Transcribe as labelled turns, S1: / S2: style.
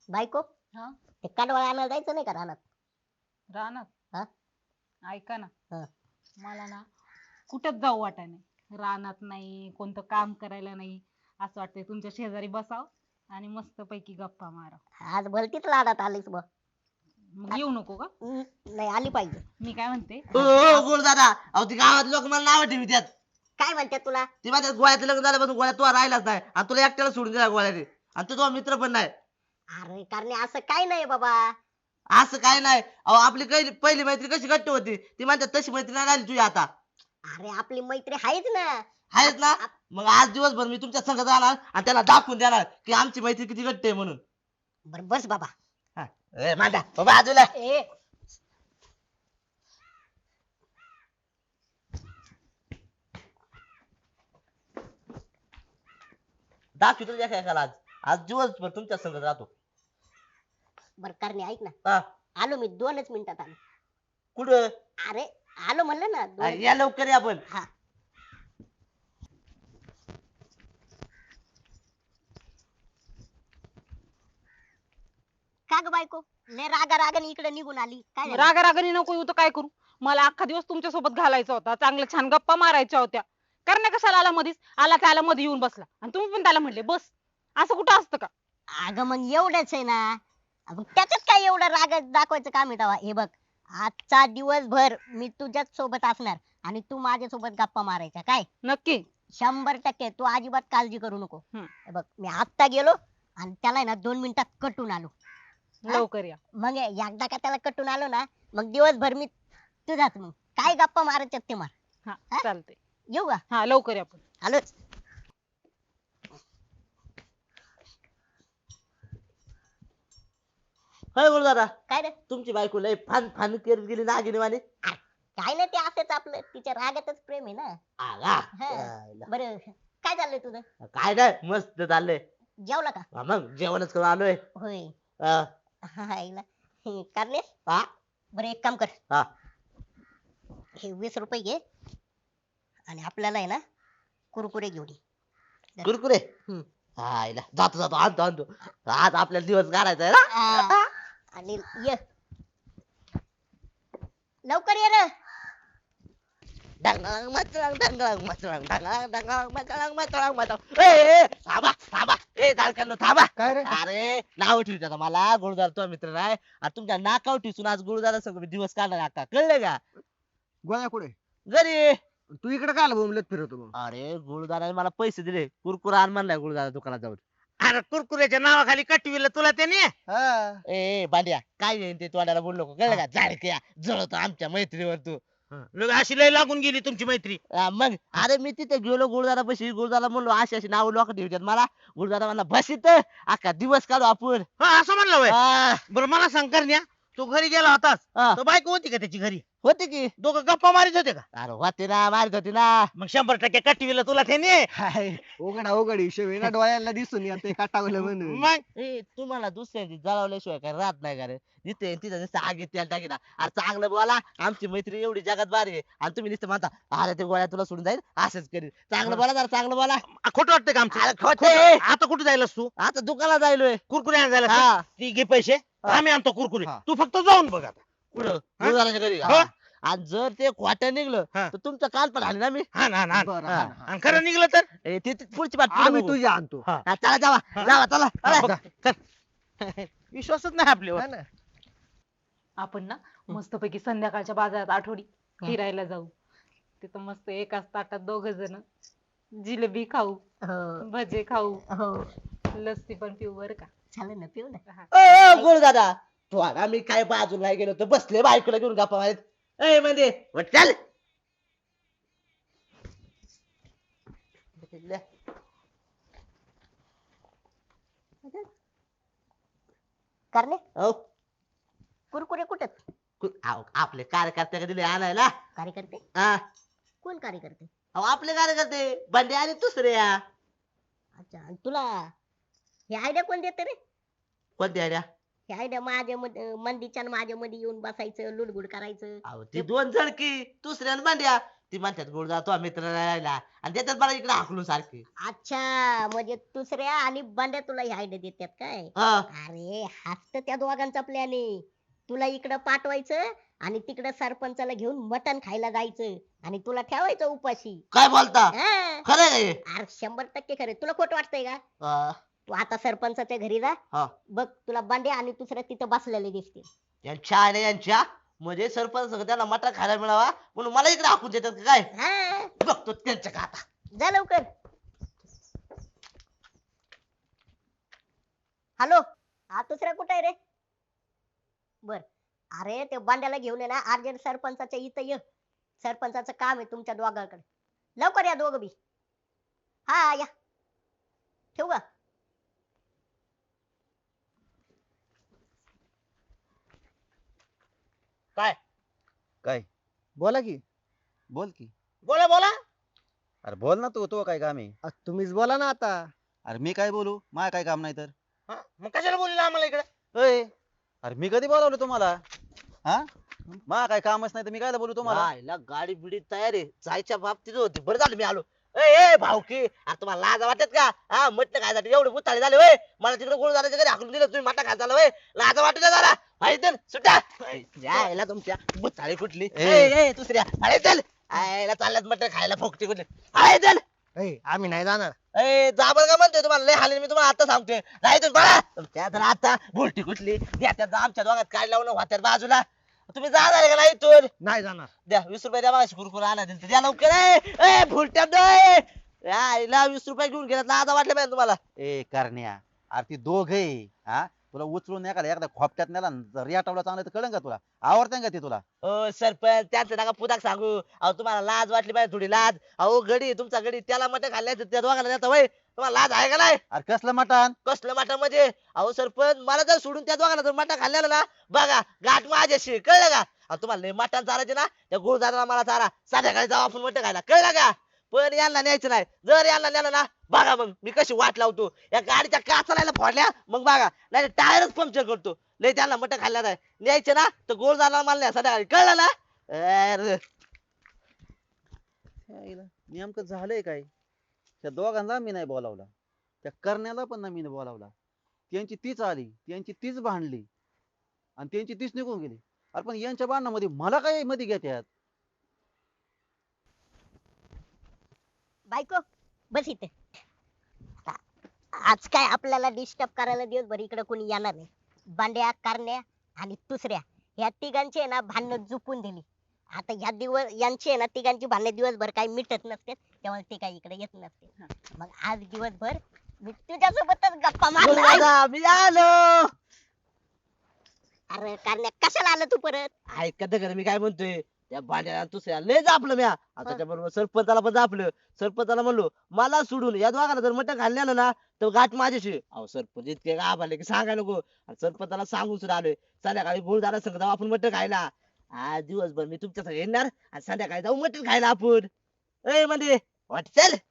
S1: बायको
S2: हा
S1: ते कांडवाळ आणायला जायचं नाही का रानात?
S2: रानात.
S1: हा?
S2: ऐका ना,
S1: हा.
S2: मला ना कुठंच जाऊ वाटाय नाही. रानात नाही, कोणतं काम करायला नाही. असं वाटतंय तुमच्या शेजारी बसाव आणि मस्त पैकी गप्पा मारा.
S1: आज भलतीच लाडात आलीस बघ.
S2: मग येऊ नको का?
S1: नाही आली पाहिजे.
S2: मी काय म्हणते,
S3: हो हो गुळ दादा, अहो ती गावात लोक मला नाव ठेवतात.
S1: काय म्हणते तुला?
S3: ती माझ्या गोळ्याचं लग्न झाल्यापासून गोळ्यात तो राहिलाच नाही आणि तुला एकट्याला सोडून दिला गोळ्याने आणि तो तुझा मित्र पण नाही.
S1: अरे कारण असं काय नाही बाबा.
S3: असं काय नाही, अहो आपली पहिली मैत्री कशी घट्ट होती ती म्हणतात तशी मैत्री नाही राहिली तुझी आता.
S1: अरे आपली मैत्री आहेच ना.
S3: आहेच ना. मग आज दिवसभर मी तुमच्या संग जाणार आणि त्याला दाखवून देणार की आमची मैत्री किती घट्ट आहे म्हणून.
S1: बर बस बाबा.
S3: हा. ए, मांडा बाबा बाजूला.
S1: ए
S3: दाखवतो तुझ्या एकाला आज. आज दिवसभर तुमच्या संग राहतो.
S1: बर करणे ऐक ना.
S3: हा.
S1: आलो मी 2च मिनिटात आलो.
S3: कुठं?
S1: अरे आलो म्हणलं ना
S3: या लवकर या आपण.
S1: हा. का ग बायको लय रागा रागाने इकडे निघून आली काय झालं?
S2: रागा रागाने नको येऊ तर काय करू? मला अख्खा दिवस तुमच्या सोबत घालायचा होता. चांगल्या छान गप्पा मारायच्या होत्या. करण्या कशाला आला मधीच? आला त्याला मध्ये येऊन बसला आणि तुम्ही पण त्याला म्हणले बस. असं कुठं असतं का?
S1: अगं मग एवढंच आहे ना. मग त्याच्यात काय एवढं राग दाखवायचं काम आहे तेव्हा? हे बघ आजचा दिवसभर मी तुझ्याच सोबत असणार आणि तू माझ्या सोबत गप्पा मारायच्या काय?
S2: नक्की.
S1: 100% तू अजिबात काळजी करू नको.
S2: हम्म.
S1: हे बघ मी आत्ता गेलो आणि त्याला आहे ना 2 मिनिटात कटून आलो. हा?
S2: लवकर या.
S1: मग एकदा का त्याला कटून आलो ना मग दिवसभर मी तुझाच मग काय गप्पा मारायच्या ते मार.
S2: हा
S1: हा?
S2: चालतंय.
S1: येऊ का?
S2: हा लवकर या पण.
S1: आलोच.
S3: होय गुरु दादा,
S1: काय रे?
S3: तुमची बायको लय फान फान करत गेली नागिनी वाणी.
S1: काय नाही ते असंच आपलं तिच्या रागातच प्रेम आहे ना.
S3: आला.
S1: हा. बरं काय चाललंय तुझं?
S3: काय नाही मस्त चाललंय.
S1: जेवला का?
S3: हा, मग जेवणच करून आलोय.
S1: होय.
S3: हा.
S1: हायला. करणे
S3: हा.
S1: बरं एक काम कर.
S3: हा.
S1: हे 20 रुपये घे आणि आपल्याला आहे ना कुरकुरे घेऊन ये.
S3: कुरकुरे.
S1: हम्म.
S3: हायला जातो जातो आणतो आणतो. आज आपल्याला दिवस काढायचा आहे ना.
S1: आ, आणि ये लवकर ये रे.
S3: डंगळंग मचळंग डंगळंग मचळंग डंगळंग डंगळंग मचळंग मचळंग मचळंग. ए थांबा थांबा. ए दालकांनो थांबा.
S4: काय रे?
S3: अरे नाव ठेवू आता मला गुरुदार तो मित्र नाही आणि तुमच्या नाकाव ठेवून आज गुरुदारा सगळं दिवस काढणार आता कळलं का?
S4: गोळ्या कुठे?
S3: घरी.
S4: तू इकडे काय बोंबलत फिरवतो मग?
S3: अरे गुरुदाराने मला पैसे दिले कुरकुरा आण म्हणलाय गुरुदारा दुकानात जाऊन.
S5: अरे कुरकुऱ्याच्या नावाखाली कटविलं तुला त्याने.
S4: हा.
S3: ए बांड्या काय येईन ते तोंडाला बोललो कळलं का? जाडक्या जळतो आमच्या मैत्रीवर तू.
S5: लग अशी लय लागून गेली तुमची मैत्री.
S3: मग अरे मी तिथे गेलो गुरुदारा पैसे गुरुदारा म्हणलो अशी अशी नाव लोक ठेवतात मला. गुरुदारा म्हणला बसित अख्खा दिवस काढू आपण.
S5: हा असं म्हणलं वय.
S3: हा,
S5: बरं मला सांग करण्या, तू घरी गेला होतास
S3: हा.
S5: तर बायको होती का त्याची घरी?
S3: होते की.
S5: दोघं गप्पा मारित होते का?
S3: अरे होते ना मारित होती ना.
S5: मग 100% कटविलं तुला त्याने.
S4: हाय, उघडा उघड हिशोब आहे ना डोळ्याला दिसून येते काटावलं म्हणून.
S5: मग
S3: ए तुम्हाला दुसऱ्यांची जळवल्याशिवाय काय राहत नाही का रे? जिथे तिथं नुसतं आगीत त्याला टाकीना. अरे चांगलं बोला आमची मैत्री एवढी जगात भारी आहे आणि तुम्ही नुसतं म्हणता अरे ते गोळ्या तुला सोडून जाईल असंच करील. चांगलं बोला जरा चांगलं बोला.
S5: खोटं वाटतं का
S3: अरे
S5: आमचं?
S3: खोटं आहे.
S5: आता कुठे जायलास तू?
S3: आता दुकानात जायलोय.
S5: कुरकुरे आणायला जायलास
S3: हा.
S5: का? ती घे पैसे,
S3: हा.
S5: आम्ही आणतो कुरकुरे.
S4: हा.
S5: तू फक्त जाऊन बघ आता.
S3: कुठं गुरुदाराच्या घरी
S5: हो.
S3: हा. आणि जर ते खोटं निघलं
S5: हा.
S3: तर तुमचं काल पण आले ना मी.
S5: हा ना ना.
S4: बरं,
S3: हा.
S4: हा, हा.
S5: आणि खरं निघलं तर
S3: ए, ते पुढची पाठ पुढे
S4: आम्ही
S3: बघू.
S4: तुझी आणतो.
S5: हा.
S3: हा, चला जावा
S5: हा.
S3: जावा चला
S5: हा,
S3: चला.
S5: बघ, चल. विश्वासच नाही आपल्यावर.
S4: हा ना.
S2: आपण ना मस्तपैकी संध्याकाळच्या बाजारात आठवडी फिरायला जाऊ. तिथं मस्त एकाच ताटात दोघ जण जिलेबी खाऊ,
S1: हो
S2: भजे खाऊ,
S1: हो
S2: लस्सी पण पिऊ बर का.
S1: चालेल ना पिऊ ना.
S2: हा.
S3: ओ गुरु दादा तो आता मी काय बाजूला नाही गेलो तर बसले बायकोला घेऊन गप्पा मारत. ए म्हणजे चल.
S1: करणे
S3: अहो,
S1: कुरकुरे कुठे
S3: आपले कार्यकर्ते दिले आणायला.
S1: कार्यकर्ते?
S3: हा.
S1: कोण कार्यकर्ते?
S3: अहो आपले कार्यकर्ते बंडे आणि दुसरे या.
S1: अच्छा आणि तुला हे आयडिया कोण देते रे?
S3: कोणते आड्या?
S1: हे आयडिया माझ्या मंदीच्या आणि माझ्या मध्ये येऊन बसायचं लुडबुड करायचं.
S3: अहो ते दोन जण की दुसऱ्या आणि बंड्या ती म्हणतात गोड जातो मित्र राहिला आणि देतात मला इकडे हाकलून सारखे.
S1: अच्छा म्हणजे दुसऱ्या आणि बंड्या तुला ही आयडिया देतात काय?
S3: हा.
S1: अरे हाच तर त्या दोघांचा प्लॅन आहे. तुला इकडं पाठवायचं आणि तिकडं सरपंचाला घेऊन मटण खायला जायचं आणि तुला ठेवायचं उपाशी.
S3: काय बोलता
S1: हा.
S3: खरं आहे
S1: अरे 100% खरं. तुला खोटं वाटतंय का?
S3: का?
S1: तू आता सरपंचाच्या घरी जा.
S3: हा.
S1: बघ तुला बंड्या आणि दुसऱ्या तिथं बसलेले दिसतील.
S3: यांच्या आहे यांच्या म्हणजे सरपंच सगळं त्यांना मटा खायला मिळावा म्हणून मला इकडे हाकून देतात का काय?
S1: हा.
S3: बघतो त्यांच्या का आता.
S1: जा लवकर. हॅलो हा दुसरा कुठे आहे रे? बर अरे ते बांड्याला घेऊन ये ना अर्जंट सरपंचाच्या इथं ये. सरपंचाचं काम आहे तुमच्या दोघांकडे. लवकर या दोघं बी. हा या. ठेवू का?
S5: काय
S6: काय
S4: बोला की.
S6: बोल की.
S5: बोला बोला.
S6: अरे बोल ना तू काय काम आहे.
S4: तुम्हीच बोला ना आता.
S6: अरे मी काय बोलू माझं काय काम नाही तर.
S5: हा, मग कशाला बोलला आम्हाला इकडे?
S6: अय अरे मी कधी बोलावलं तुम्हाला. हा मा काय कामच नाही तर मी काय बोलू तुम्हाला.
S3: राहिला गाडी बिडी तयार आहे जायच्या बाबतीत होती बरं झालं मी आलो. ए भाऊकी अरे तुम्हाला लाज वाटत का? हा मटण खायसाठी एवढे बुताळे झाले होय. मला तिकडे गोळ झाल्याच्या घरी हाकलून दिलं तुम्ही मटण खायला झालं होय. लाज वाटत जरा. हायतर सुटा यायला तुमच्या बुताळे कुठली ए दुसऱ्या हायतर आयला चालल्यात मटण खायला फोकटी कुठली हायतर.
S4: आम्ही नाही जाणार.
S3: ए जाबर का म्हणतोय तुम्हाला लय हाले मी तुम्हाला आता सांगतोय नाही तुम्ही बघा तुमच्या तर आता भुलटी कुठली द्या त्या आमच्या दोघात काय लावून वाट्यात बाजूला तुम्ही जाणार का नाही इथून?
S4: नाही जाणार.
S3: द्या 20 रुपये द्या मागाशी कुरकुर आणा दिल द्या लवकर ए भुलट्या द्या 20 रुपये घेऊन गेलात ना आता वाटलं पाहिजे तुम्हाला.
S6: ए करण्या अरे ती दोघे हा तुला उचलून एकदा खोपट्यात नेला रेटावला चांगलं तर कळंन का तुला आवडतं का ते तुला.
S3: ओ सरपंच त्यांचं नका पुताक सांगू अहो तुम्हाला लाज वाटली पाहिजे थोडी लाज. अहो गडी तुमचा गडी त्याला मटण खाल्ल्याचं त्या दोघांना देता वय तुम्हाला लाज आहे का नाही?
S6: अरे कसलं मटण.
S3: कसलं मटण म्हणजे अहो सरपंच मला जर सोडून त्या दोघांना जर मटण खाल्लेलं ना बघा गाठ माझ्याशी कळलं का? अहो तुम्हाला लय मटण चारायचे ना त्या गुरुदाराला मला चारा संध्याकाळी जाऊ आपण मटण खायला कळलं का? पण यांना न्यायचं नाही. जर यांना नेलं ना बघा मग मी कशी वाट लावतो या गाडीच्या काचाला फोडल्या मग बघा नाही टायरच पंक्चर करतो. लय त्यांना मटण खाल्ल्या नाही न्यायचं ना तर गुरुदाराला मला न्या संध्याकाळी कळलं ना. अरे
S6: नेमकं झालंय काय त्या दोघांना मी नाही बोलावला त्या करण्याला पण नाही मी बोलावला. त्यांची तीच आली त्यांची तीच भांडली आणि त्यांची तीच निघून गेली. अरे पण यांच्या भांडणामध्ये मला काय मध्ये घेत्यात.
S1: बायको बस इथे. आता आज काय आपल्याला डिस्टर्ब करायला दिवसभर इकडे कोणी येणार नाही. बांड्या करण्या आणि दुसऱ्या या तिघांची आहे ना भांडणं जुपून दिली. आता या दिवस यांची आहे ना तिघांची भांडणं दिवसभर काही मिटत नसते त्यामुळे ते काही इकडे येत नसते. मग आज दिवसभर मी तुझ्यासोबतच गप्पा मारणार.
S3: गुरुदादा मी आलो.
S1: अरे करण्या कशाला आलं तू परत?
S3: ऐका तर मी काय म्हणतोय त्या भांड्याला दुसऱ्या लय जापलं म्या आता त्याच्याबरोबर सरपंचाला पण जापलं. सरपंचाला म्हणलो मला सोडून या दोघांना जर मटण खाल्लं ना तर गाठ माझ्याशी. अहो सरपंच इतके गाभारले की सांगाय नको. आणि सरपंचाला सांगून सुद्धा आलोय संध्याकाळी गुरुदारा संग जाऊ आपण मटण खायला. आज दिवसभर मी तुमच्या संग येणार आणि संध्याकाळी जाऊ मटण खायला आपण. ए म्हणजे वाट चल.